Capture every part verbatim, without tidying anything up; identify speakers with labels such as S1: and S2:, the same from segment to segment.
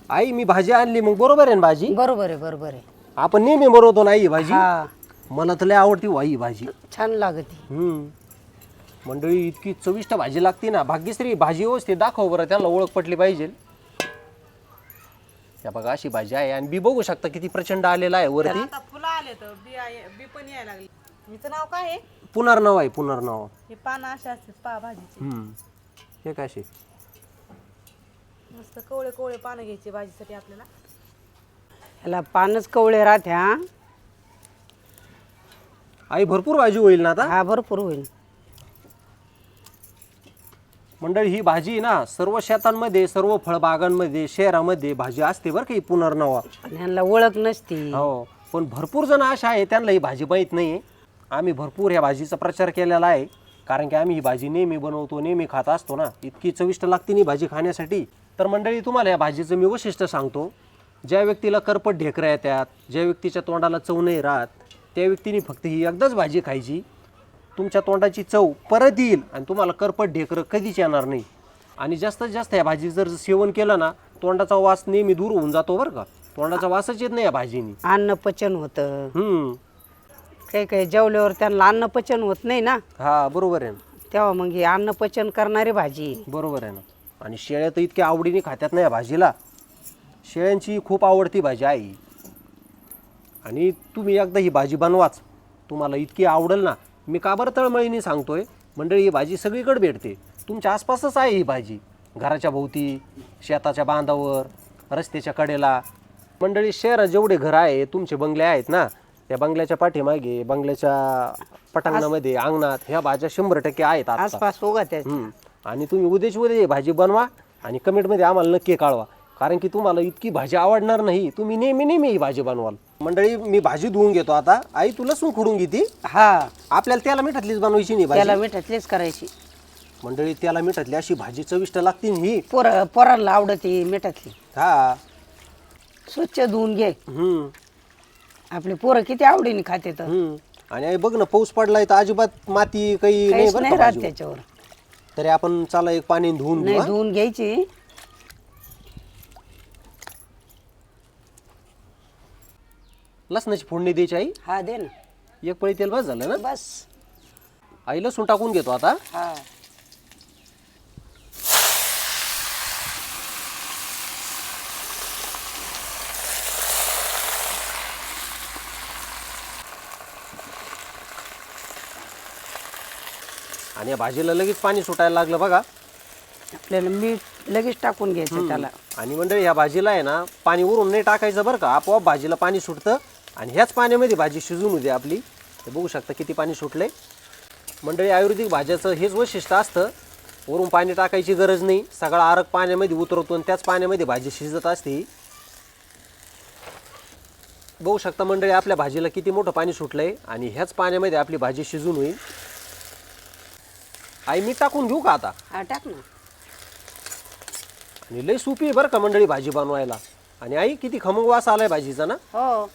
S1: आई मी भाजी आणली मग बरोबर आहे ना भाजी?
S2: बरोबर आहे बरोबर आहे.
S1: आपण नेहमी बनवतो ना ही भाजी.
S2: हा
S1: मला तर लय आवडती वाई भाजी.
S2: छान लागते.
S1: हम्म मंडळी इतकी चविष्ट भाजी लागते ना. भाग्यश्री भाजी व्यवस्थित दाखव बरं, त्यांना ओळख पटली पाहिजे. या बघा अशी भाजी आहे आणि बी बघू शकता किती प्रचंड आलेला आहे वरती.
S3: आता फुलं आले तर बी आहे- बी पण यायला लागली. हिचं नाव काय आहे?
S1: पुनर्नव आहे पुनर्नव.
S3: हे पानं असे असतात पा भाजीचे.
S1: हम्म हे काय अशी
S3: मस्त कवळे कवळे पानं घ्यायचे भाजीसाठी आपल्याला.
S2: ह्याला पानच कवळे राहत्या.
S1: आई भरपूर भाजी होईल ना आता.
S2: हा भरपूर होईल.
S1: मंडळी ही भाजी ना सर्व शेतांमध्ये सर्व फळबागांमध्ये शहरामध्ये भाजी असते बरं का ही पुनर्नवा.
S2: पण ह्यांना ओळख नसती.
S1: हो पण भरपूर जण अशा आहे त्यांना ही भाजी माहीत नाही. आम्ही भरपूर ह्या भाजीचा प्रचार केलेला आहे कारण की आम्ही ही भाजी नेहमी बनवतो नेहमी खात असतो ना. इतकी चविष्ट लागते ही भाजी खाण्यासाठी. तर मंडळी तुम्हाला या भाजीचं मी वैशिष्ट्य सांगतो. ज्या व्यक्तीला करपट ढेकऱ्या येतात, ज्या व्यक्तीच्या तोंडाला चव नाही राहत, त्या व्यक्तीने फक्त ही एकदाच भाजी खायची. तुमच्या तोंडाची चव परत येईल आणि तुम्हाला करपट ढेकरं कधीच येणार नाही. आणि जास्तीत जास्त या भाजी जर सेवन केलं ना तोंडाचा वास नेहमी दूर होऊन जातो बरं का. तोंडाचा वासच येत नाही या भाजीनी.
S2: अन्न पचन होतं.
S1: हम्म
S2: काही काही जेवल्यावर त्यांना अन्न पचन होत नाही ना,
S1: हा बरोबर आहे ना.
S2: तेव्हा मग ही अन्न पचन करणारी भाजी आहे.
S1: बरोबर आहे ना. आणि शेळ्या तर इतक्या आवडीने खात्यात ना या भाजीला. शेळ्यांची खूप आवडती भाजी आहे. आणि तुम्ही एकदा ही भाजी बनवाच, तुम्हाला इतकी आवडेल ना. मी का बरं तळमळीने सांगतोय मंडळी, ही भाजी सगळीकडे भेटते. तुमच्या आसपासच आहे ही भाजी. घराच्या भोवती, शेताच्या बांधावर, रस्त्याच्या कडेला. मंडळी शहरात जेवढे घर आहे तुमचे बंगले आहेत ना, त्या बंगल्याच्या पाठीमागे बंगल्याच्या पटांगणामध्ये अंगणात ह्या भाज्या शंभर टक्के आहेत आता.
S2: आसपास उगत आहेत.
S1: हम्म. आणि तुम्ही उद्याची उद्या ही भाजी बनवा आणि कमेंटमध्ये आम्हाला नक्की कळवा कारण की तुम्हाला इतकी भाजी आवडणार नाही. तुम्ही नेहमी नेहमी ही भाजी बनवाल. मंडळी मी भाजी धुवून घेतो आता. आई तू लसूण खोडून घेते.
S2: हा
S1: आपल्याला त्याला मिठातलीच बनवायची नाही
S2: त्याला
S1: भाजी.
S2: मिठातलीच करायची.
S1: मंडळी त्याला मिठातली अशी भाजी चविष्ट लागते ना ही.
S2: पोर पोरांना आवडती मिठातली.
S1: हा
S2: स्वच्छ धुवून घे.
S1: हम्म
S2: आपले पोरं किती आवडीने खाते तर
S1: हम्म आणि आई बघ ना पाऊस पडलाय तर अजिबात माती काही नाही
S2: काहीच
S1: बरं
S2: नाही
S1: का
S2: राहत
S1: भाजीवर.
S2: त्याच्यावर.
S1: तरी आपण चला एक पाणी धुवून घेऊ
S2: नाही
S1: हा.
S2: धुवून घ्यायची.
S1: लसणाची फोडणी द्यायची आई.
S2: हा दे ना
S1: एक पळी तेल बस झालं ना.
S2: बस.
S1: आई लसूण टाकून घेतो आता.
S2: हा
S1: आणि या भाजीला लगेच पाणी सुटायला लागलं बघा.
S2: आपल्याला मीठ लगेच टाकून घ्यायचं त्याला.
S1: आणि मंडळी ह्या भाजीला आहे ना पाणी वरून नाही टाकायचं बरं का. आपोआप भाजीला पाणी सुटतं आणि ह्याच पाण्यामध्ये भाजी शिजून होते आपली. हे बघू शकता किती पाणी सुटलंय. मंडळी आयुर्वेदिक भाज्याचं हेच वैशिष्ट्य असतं, वरून पाणी टाकायची गरज नाही. सगळा आरग पाण्यामध्ये उतरवतो आणि त्याच पाण्यामध्ये भाजी शिजत असते. बघू शकता मंडळी आपल्या भाजीला किती मोठं पाणी सुटलंय आणि ह्याच पाण्यामध्ये आपली भाजी शिजून होईल. आई मीठ टाकून घेऊ का आता.
S2: हा टाक ना.
S1: आणि लई सोपी आहे बरं का मंडळी भाजी बनवायला. आणि आई किती खमंग वास आलाय भाजीचा ना.
S2: हो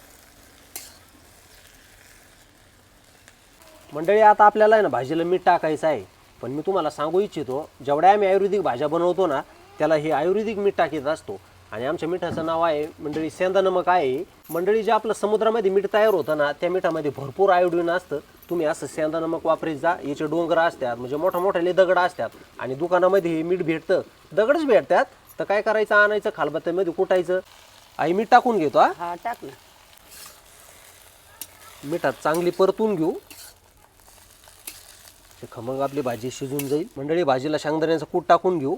S1: मंडळी आता आपल्याला आहे ना भाजीला मीठ टाकायचं आहे. पण मी तुम्हाला सांगू इच्छितो जेवढ्या आम्ही आयुर्वेदिक भाज्या बनवतो ना त्याला हे आयुर्वेदिक मीठ टाकीत असतो. आणि आमच्या मिठाचं नाव आहे मंडळी सेंधा नमक आहे. मंडळी जे आपलं समुद्रामध्ये मीठ तयार होतं ना त्या मिठामध्ये भरपूर आयोडीन असतं. तुम्ही असं सेंधा नमक वापरीत जा. याचे डोंगर असतात म्हणजे मोठ्या मोठ्याले दगड असतात आणि दुकानामध्ये हे मीठ भेटतं. दगडच भेटतात तर काय करायचं, आणायचं खालबत्त्यामध्ये कुटायचं. आई मीठ टाकून घेतो. हा
S2: हा टाक ना.
S1: मिठात चांगली परतून घेऊ. ते खमंग आपली भाजी शिजून जाईल. मंडळी भाजीला शेंगदाण्याचं कूट टाकून घेऊ.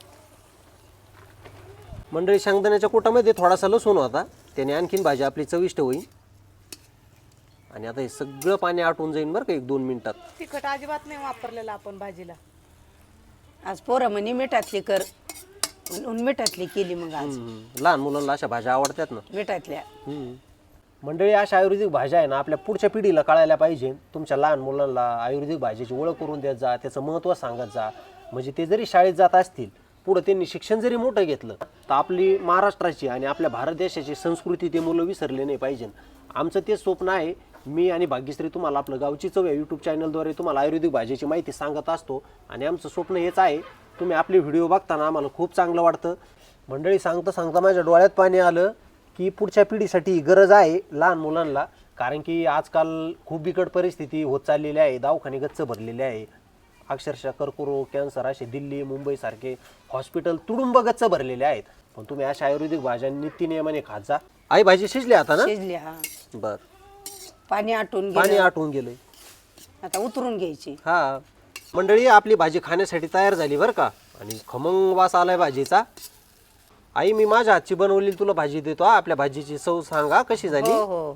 S1: मंडळी शेंगदाण्याच्या कुटामध्ये थोडासा लसूण होता, त्याने आणखीन भाजी आपली चविष्ट होईल. आणि आता हे सगळं पाणी आटून जाईल बरं का एक दोन मिनिटात.
S3: तिखट अजिबात नाही वापरलेलं आपण भाजीला.
S2: आज पोरं म्हणे मिठातली कर म्हणून मिठातली केली. मग आज
S1: हम्म, लहान मुलांना अशा भाज्या आवडतात ना.
S2: मिठातल्या.
S1: हम्म. मंडळी अशा आयुर्वेदिक भाज्या आहे ना आपल्या पुढच्या पिढीला कळायला पाहिजे. तुमच्या लहान मुलांना आयुर्वेदिक भाजीची ओळख करून देत जा, त्याचं महत्त्व सांगत जा. म्हणजे ते जरी शाळेत जात असतील पुढं त्यांनी शिक्षण जरी मोठं घेतलं तर आपली महाराष्ट्राची आणि आपल्या भारत देशाची संस्कृती ते मुलं विसरले नाही पाहिजे. आमचं ते स्वप्न आहे. मी आणि भाग्यश्री तुम्हाला आपलं गावची चव या यूट्यूब चॅनलद्वारे तुम्हाला आयुर्वेदिक भाजीची माहिती सांगत असतो. आणि आमचं स्वप्न हेच आहे. तुम्ही आपले व्हिडिओ बघताना आम्हाला खूप चांगलं वाटतं. मंडळी सांगता सांगता माझ्या डोळ्यात पाणी आलं की पुढच्या पिढीसाठी ही गरज आहे लहान मुलांना, कारण की आजकाल खूप बिकट परिस्थिती होत चाललेली आहे, दवाखाने गच्च भरलेले आहे, अक्षरशः कर्करोग कॅन्सर असे दिल्ली मुंबईसारखे हॉस्पिटल तुडुंब गच्च भरलेले आहेत. पण तुम्ही अशा आयुर्वेदिक भाज्या नित्यनियमाने खात जा. आई भाजी शिजली आता ना?
S2: शिजली हा.
S1: बर,
S2: पाणी आटून
S1: पाणी
S2: गेलं
S1: आटवून गेलंय.
S2: आता उतरून घ्यायची.
S1: हा मंडळी आपली भाजी खाण्यासाठी तयार झाली बरं का, आणि खमंग वास आलाय भाजीचा. आई मी माझ्या हातची बनवलेली तुला भाजी देतो हा. आपल्या भाजीची चव सांगा कशी झाली.
S2: हो हो.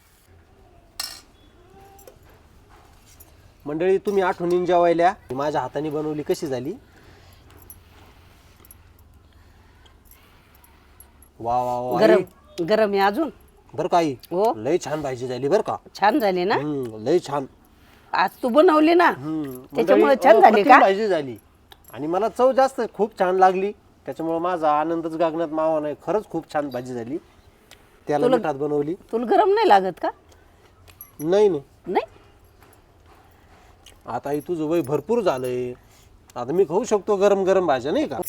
S1: मंडळी तुम्ही आठवणीन जेवायल्या, माझ्या हाताने बनवली कशी झाली. वा वा वा आई.
S2: गरम गरम आहे अजून.
S1: बरं का आई,
S2: हो.
S1: लय छान भाजी झाली बरं का.
S2: छान झाली ना.
S1: हम्म, लय छान.
S2: आज तू बनवली ना
S1: हम्म,
S2: त्याच्यामुळे
S1: मंडळी,
S2: छान झाली
S1: अप्रतिम
S2: का.
S1: भाजी झाली आणि मला चव जास्त खूप छान लागली, त्याच्यामुळे माझा आनंदच गगनात मावा नाही. खरंच खूप छान भाजी झाली. त्याला
S2: तुला-
S1: मिठात बनवली.
S2: तुला गरम नाही लागत का.
S1: नाही नाही,
S2: नाही
S1: आता आई तुझं वय भरपूर झालंय, आता मी खाऊ शकतो गरम गरम भाज्या नाही का.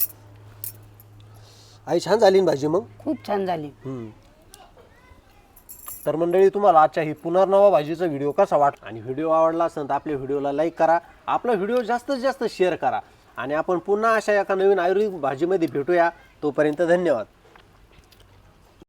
S1: आई छान झाली ना भाजी मग.
S2: खूप छान झाली.
S1: हम्म. तर मंडळी तुम्हाला आजच्या ही पुनर्नवा भाजीचा व्हिडिओ कसा वाटला, आणि व्हिडिओ आवडला असेल तर आपल्या व्हिडिओला लाईक करा, आपला व्हिडिओ जास्तीत जास्त शेअर करा, आणि आपण पुन्हा अशा एका नवीन आयुर्वेदिक भाजीमध्ये भेटूया. तोपर्यंत धन्यवाद.